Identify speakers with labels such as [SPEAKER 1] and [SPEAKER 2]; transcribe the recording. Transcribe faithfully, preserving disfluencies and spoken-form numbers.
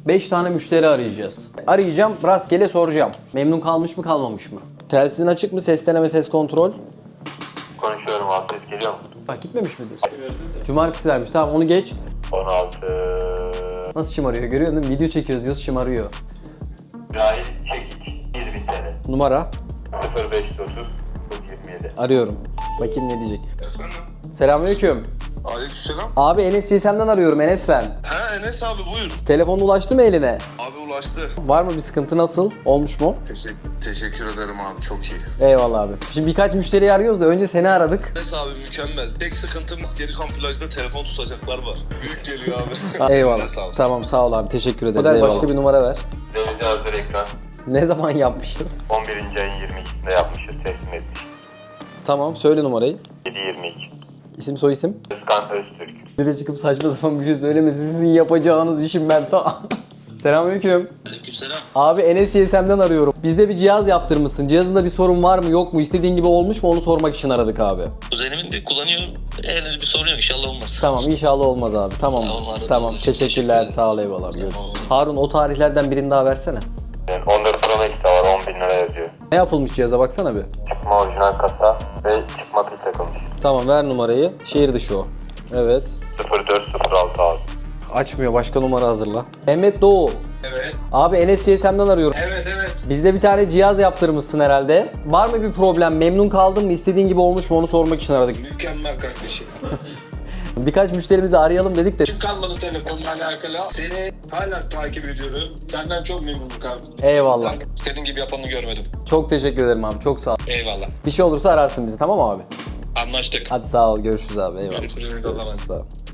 [SPEAKER 1] beş tane müşteri arayacağız. Arayacağım, rastgele soracağım. Memnun kalmış mı kalmamış mı? Telsizin açık mı? Ses deneme, ses kontrol.
[SPEAKER 2] Konuşuyorum abi, ses geliyor mu?
[SPEAKER 1] Bak gitmemiş midir? Cumartesi vermiş. Tamam onu geç.
[SPEAKER 2] on altı.
[SPEAKER 1] Nasıl şımarıyor görüyor musun? Video çekiyoruz diyoruz şımarıyor.
[SPEAKER 2] Cahil Çekiç yüz bin T L.
[SPEAKER 1] Numara.
[SPEAKER 2] sıfır beş otuz yirmi yedi.
[SPEAKER 1] Arıyorum. Bakayım ne diyecek.
[SPEAKER 3] Efendim?
[SPEAKER 1] Selamünaleyküm.
[SPEAKER 3] Aleykümselam.
[SPEAKER 1] Abi Enes G S M'den arıyorum. Enes ben.
[SPEAKER 3] He Enes abi buyur.
[SPEAKER 1] Telefon ulaştı mı eline?
[SPEAKER 3] Abi ulaştı.
[SPEAKER 1] Var mı bir sıkıntı, nasıl? Olmuş mu?
[SPEAKER 3] Teşekkür, teşekkür ederim abi çok iyi.
[SPEAKER 1] Eyvallah abi. Şimdi birkaç müşteriyi arıyoruz da önce seni aradık.
[SPEAKER 3] Enes abi mükemmel. Tek sıkıntımız geri kamuflajda telefon tutacaklar var. Büyük geliyor abi.
[SPEAKER 1] Eyvallah.
[SPEAKER 3] Sağ ol.
[SPEAKER 1] Tamam sağ ol abi, teşekkür ederiz. Model Eyvallah. başka bir numara ver.
[SPEAKER 2] Revize hazır ekran.
[SPEAKER 1] Ne zaman yapmışız?
[SPEAKER 2] on birinci ayın yirmi ikisinde yapmışız, teslim ettik.
[SPEAKER 1] Tamam söyle numarayı.
[SPEAKER 2] yedi yirmi iki.
[SPEAKER 1] İsim soy isim.
[SPEAKER 2] Özkan Öztürk.
[SPEAKER 1] Bir de çıkıp saçma sapan bir şey söylemesin. Sizin yapacağınız işim ben ta. Selamünaleyküm.
[SPEAKER 4] Aleykümselam.
[SPEAKER 1] Abi Enes G S M'den arıyorum. Bizde bir cihaz yaptırmışsın. Cihazında bir sorun var mı yok mu? İstediğin gibi olmuş mu? Onu sormak için aradık abi.
[SPEAKER 4] Kuzenimin de kullanıyor. Henüz bir sorun yok. İnşallah olmaz.
[SPEAKER 1] Tamam inşallah olmaz abi. Tamam.
[SPEAKER 4] Sağ ol, aradığınız
[SPEAKER 1] Tamam
[SPEAKER 4] için
[SPEAKER 1] teşekkürler.
[SPEAKER 4] teşekkür ederiz.
[SPEAKER 1] Sağ ol, eyvallah. Görüşürüz.
[SPEAKER 4] Tamam.
[SPEAKER 1] Harun o tarihlerden birini daha versene.
[SPEAKER 2] Yani on dört Pro Max de var, on bin lira yazıyor.
[SPEAKER 1] Ne yapılmış cihaza baksana bir.
[SPEAKER 2] Çıkma orijinal kasa ve çıkma pil takılmış.
[SPEAKER 1] Tamam ver numarayı. Şehir dışı o. Evet.
[SPEAKER 2] sıfır dört sıfır altı abi.
[SPEAKER 1] Açmıyor. Başka numara hazırla. Mehmet Doğu.
[SPEAKER 5] Evet,
[SPEAKER 1] Abi Enes G S M'den arıyorum.
[SPEAKER 5] evet, evet.
[SPEAKER 1] Bizde bir tane cihaz yaptırmışsın herhalde. Var mı bir problem? Memnun kaldın mı? İstediğin gibi olmuş mu? Onu sormak için aradık.
[SPEAKER 5] Mükemmel kardeşim.
[SPEAKER 1] Birkaç müşterimizi arayalım dedik de.
[SPEAKER 5] Kim kalmadı telefonla alakalı? Seni hala takip ediyorum. Senden çok memnunum kardeşim.
[SPEAKER 1] Eyvallah.
[SPEAKER 5] Ben istediğin gibi yapanı görmedim.
[SPEAKER 1] Çok teşekkür ederim abi. Çok sağ ol.
[SPEAKER 5] Eyvallah.
[SPEAKER 1] Bir şey olursa ararsın bizi, tamam mı abi?
[SPEAKER 5] Anlaştık.
[SPEAKER 1] Hadi sağ ol. Görüşürüz abi. Eyvallah.
[SPEAKER 5] Görüşürüz.
[SPEAKER 1] Görüşürüz. Sağ ol.